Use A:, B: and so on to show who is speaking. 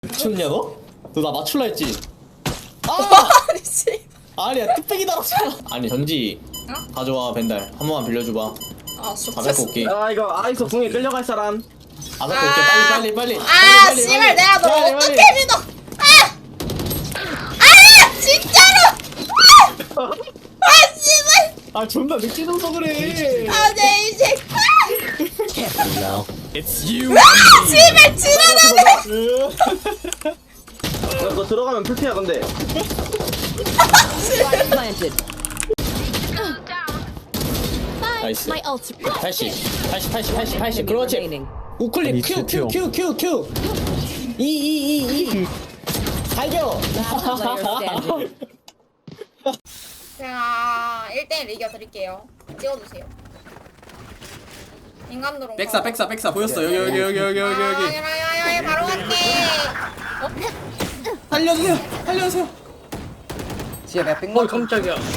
A: 미쳤냐 너? 너 나 맞출라 했지?
B: 아니 씨.
A: 아니야 뚝배기 달았잖아. 아니 전지
B: 어?
A: 가져와 벤달 한 번만 빌려줘봐.
B: 아
A: 다 뺏고 올게.
C: 아 이거 아이소 궁에 끌려갈 사람.
A: 다 뺏고 올게. 빨리.
B: 아 씨발 내가 너
A: 빨리,
B: 어떻게
A: 빨리.
B: 믿어? 아 진짜로. 아 씨발.
A: 아 존나 늦게 줘서 그래.
B: 아내 인생.
D: It's you.
B: 아 씨발 지나가네.
C: 너 들어가면 풀피야 근데.
E: planted.
A: 나이스.
E: My ult.
A: 80 그렇지.
E: remaining.
A: 우클릭 Q E 달려.
E: Player standing.
B: 제가 1대1 이겨드릴게요. 찍어주세요. 인간도로.
D: 백사 보였어. 여기.
B: 아, 바로 갈게.
D: 살려주세요.
F: 진짜 내가 뺀거 깜짝이야.